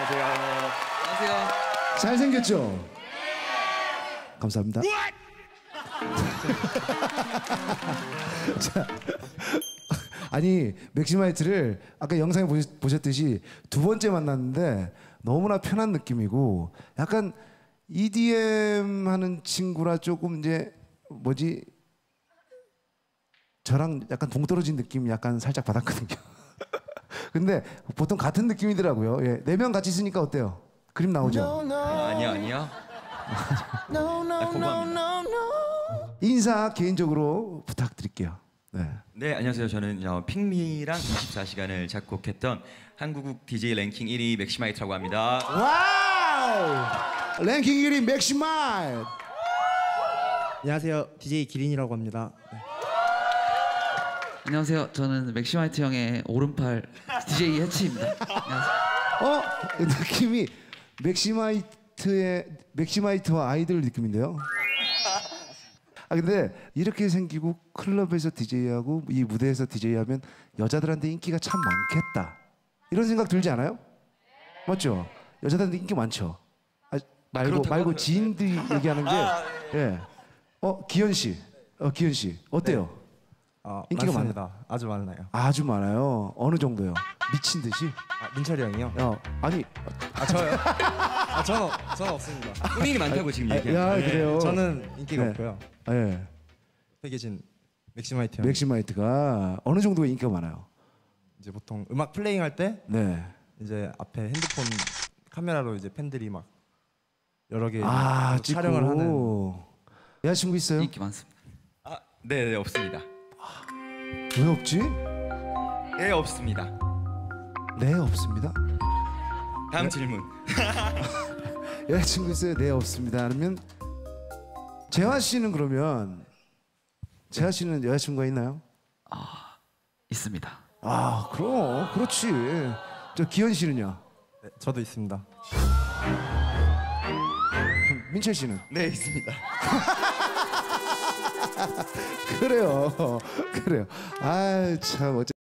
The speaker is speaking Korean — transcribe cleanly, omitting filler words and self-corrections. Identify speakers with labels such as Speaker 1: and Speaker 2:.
Speaker 1: 안녕하세요.
Speaker 2: 안녕하세요.
Speaker 3: 잘생겼죠? 네. 감사합니다. 자, 아니 맥시마이트를 아까 영상에 보셨듯이 두 번째 만났는데 너무나 편한 느낌이고 약간 EDM 하는 친구라 조금 이제 뭐지 저랑 약간 동떨어진 느낌 약간 살짝 받았거든요. 근데 보통 같은 느낌이더라고요. 예, 네 명 같이 있으니까 어때요? 그림 나오죠?
Speaker 2: 아니요. 고맙습니다.
Speaker 3: 인사 개인적으로 부탁드릴게요. 네.
Speaker 2: 네, 안녕하세요. 저는 핑미랑 24시간을 작곡했던 한국 DJ 랭킹 1위 맥시마이트라고 합니다.
Speaker 3: 와우! 랭킹 1위 맥시마이트.
Speaker 1: 안녕하세요. DJ 기린이라고 합니다. 네.
Speaker 4: 안녕하세요. 저는 맥시마이트 형의 오른팔 DJ 해치입니다. 안녕하세요.
Speaker 3: 느낌이 맥시마이트와 아이들 느낌인데요. 근데 이렇게 생기고 클럽에서 DJ하고 이 무대에서 DJ하면 여자들한테 인기가 참 많겠다 이런 생각 들지 않아요? 맞죠? 여자들한테 인기 많죠. 말고 지인들이 얘기하는 게 예. 기현 씨 어때요?
Speaker 1: 네.
Speaker 3: 인기가
Speaker 1: 많습니다. 아주 많아요.
Speaker 3: 아주 많아요. 어느 정도요? 미친 듯이?
Speaker 1: 민철이 형이요?
Speaker 3: 아니
Speaker 1: 저요? 저는 없습니다.
Speaker 2: 본인이 많다고 지금 얘기해요.
Speaker 3: 야 그래요.
Speaker 1: 저는 인기가
Speaker 3: 네.
Speaker 1: 없고요.
Speaker 3: 예.
Speaker 1: 옆에 계신 맥시마이트 형.
Speaker 3: 맥시마이트가 어느 정도의 인기가 많아요?
Speaker 1: 이제 보통 음악 플레잉 할 때
Speaker 3: 네.
Speaker 1: 이제 앞에 핸드폰 카메라로 이제 팬들이 막 여러 개
Speaker 3: 찍고.
Speaker 1: 촬영을 하는.
Speaker 3: 여자친구 있어요?
Speaker 4: 인기 많습니다.
Speaker 2: 네, 없습니다.
Speaker 3: 왜 없지?
Speaker 2: 네, 없습니다.
Speaker 3: 네 없습니다.
Speaker 2: 다음 질문.
Speaker 3: 여자친구 있어요? 네 없습니다. 아니면 재화 씨는 그러면 재화 씨는 여자친구가 있나요?
Speaker 4: 있습니다.
Speaker 3: 그럼 그렇지. 저 기현 씨는요?
Speaker 1: 네, 저도 있습니다.
Speaker 3: 그럼 민철 씨는?
Speaker 2: 네, 있습니다.
Speaker 3: 그래요. 아 참 어째.